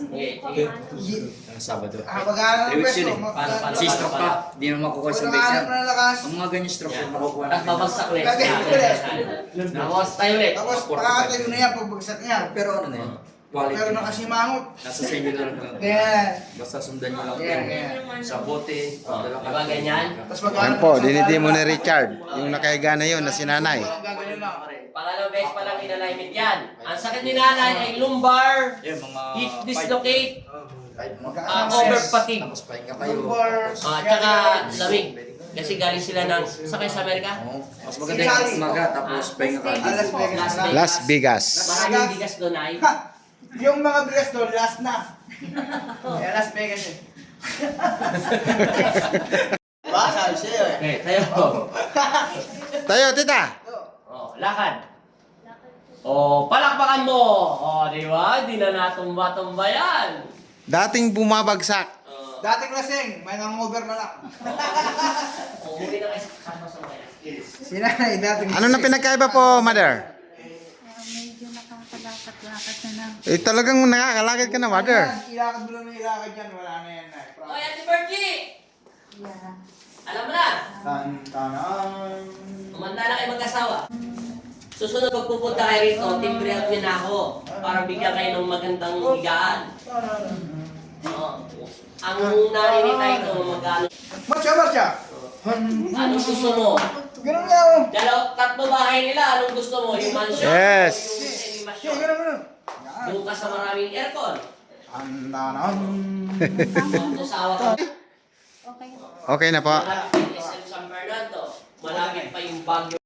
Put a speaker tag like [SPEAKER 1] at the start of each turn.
[SPEAKER 1] Okay.
[SPEAKER 2] Sabado.
[SPEAKER 3] Pag-aaral ng
[SPEAKER 2] Rewits
[SPEAKER 3] peso.
[SPEAKER 2] yun eh. Si stroke pa. Di naman makukuha sa base
[SPEAKER 3] Pag-aaral
[SPEAKER 2] yan.
[SPEAKER 3] na lakas.
[SPEAKER 2] Ang mga ganyan stroke
[SPEAKER 1] Yan.
[SPEAKER 2] yung makukuha
[SPEAKER 1] Tapos
[SPEAKER 2] namin.
[SPEAKER 1] babagsak ulit. Tapos tayo ulit.
[SPEAKER 3] Tapos pakatayo na yan pagbagsak niya.
[SPEAKER 2] Pero ano na yan? Quality.
[SPEAKER 3] Pero nakasimangot.
[SPEAKER 2] Nasa sa inyo na lang.
[SPEAKER 3] Yan.
[SPEAKER 2] Basta sundan nyo lang.
[SPEAKER 3] Yan,
[SPEAKER 2] yung
[SPEAKER 3] yan.
[SPEAKER 2] Sa bote. Pagdala ka.
[SPEAKER 1] Diba ganyan?
[SPEAKER 3] Tapos
[SPEAKER 4] Yan
[SPEAKER 3] mag-aaral
[SPEAKER 4] po,
[SPEAKER 3] ng
[SPEAKER 4] dinidi mo
[SPEAKER 3] peso.
[SPEAKER 4] ni Richard. Yung nakahiga na yun na si nanay.
[SPEAKER 3] Walang gagawin lang.
[SPEAKER 1] Pangalawang beses pa lang in-alignment yan. Ang sakit ni nanay ay lumbar,
[SPEAKER 2] Yan, mga
[SPEAKER 1] hip
[SPEAKER 2] five.
[SPEAKER 1] dislocate,
[SPEAKER 3] Mag-aaral
[SPEAKER 1] over
[SPEAKER 3] ng
[SPEAKER 1] fatigue,
[SPEAKER 2] Tapos pahinga kayo.
[SPEAKER 3] lumbar.
[SPEAKER 1] tsaka lamig. Kasi galing sila ng, sakay sa Amerika?
[SPEAKER 2] Oo. Mas maganda yung umaga. Tapos pahinga ka.
[SPEAKER 3] Las Vegas.
[SPEAKER 4] Las Vegas.
[SPEAKER 1] Maraming bigas doon ay.
[SPEAKER 3] Ha! Yung mga bigas doon, last na. Kaya Las Vegas eh. Diba? Sabi sa'yo eh.
[SPEAKER 1] Okay, tayo.
[SPEAKER 4] Tayo, tita.
[SPEAKER 1] Oh, lakad. Oh, palakpakan mo. Oh, di ba? Di na natumba-tumba yan.
[SPEAKER 4] Dating bumabagsak.
[SPEAKER 1] Oh,
[SPEAKER 3] Dating lasing, may nangover na lang.
[SPEAKER 1] oh, muli na kayo sa kasama sa mga.
[SPEAKER 3] Sinanay, dating
[SPEAKER 4] Ano na pinagkaiba po, mother?
[SPEAKER 5] Medyo nakakalakat-lakat na lang.
[SPEAKER 4] Eh, talagang nakakalakad ka na, mother.
[SPEAKER 3] Ilakad mo lang na ilakad yan, wala na yan na.
[SPEAKER 1] Oh, Ate Bertie!
[SPEAKER 5] Yeah.
[SPEAKER 1] Alam mo na,
[SPEAKER 3] Tan-tanan.
[SPEAKER 1] umanda na kayo mag-asawa. Susunod pagpupunta kayo rito, timbre out niyo na ako para bigyan kayo ng magandang higaan. Oh. Ang nanay ni Taito, magkano?
[SPEAKER 3] Marcha!
[SPEAKER 1] Anong gusto mo?
[SPEAKER 3] Ganun nga oh.
[SPEAKER 1] Tatlo bahay nila, anong gusto mo? Yung mansion?
[SPEAKER 4] Yes.
[SPEAKER 1] O yung
[SPEAKER 3] Sige,
[SPEAKER 1] semi-mansion?
[SPEAKER 3] ganun.
[SPEAKER 1] Doon ka sa maraming aircon.
[SPEAKER 3] Tan-tanan.
[SPEAKER 1] Ang usawa ka.
[SPEAKER 5] Okay.
[SPEAKER 4] Okay na po.
[SPEAKER 1] Malapit yung SM San Fernando. Malapit pa yung Baguio.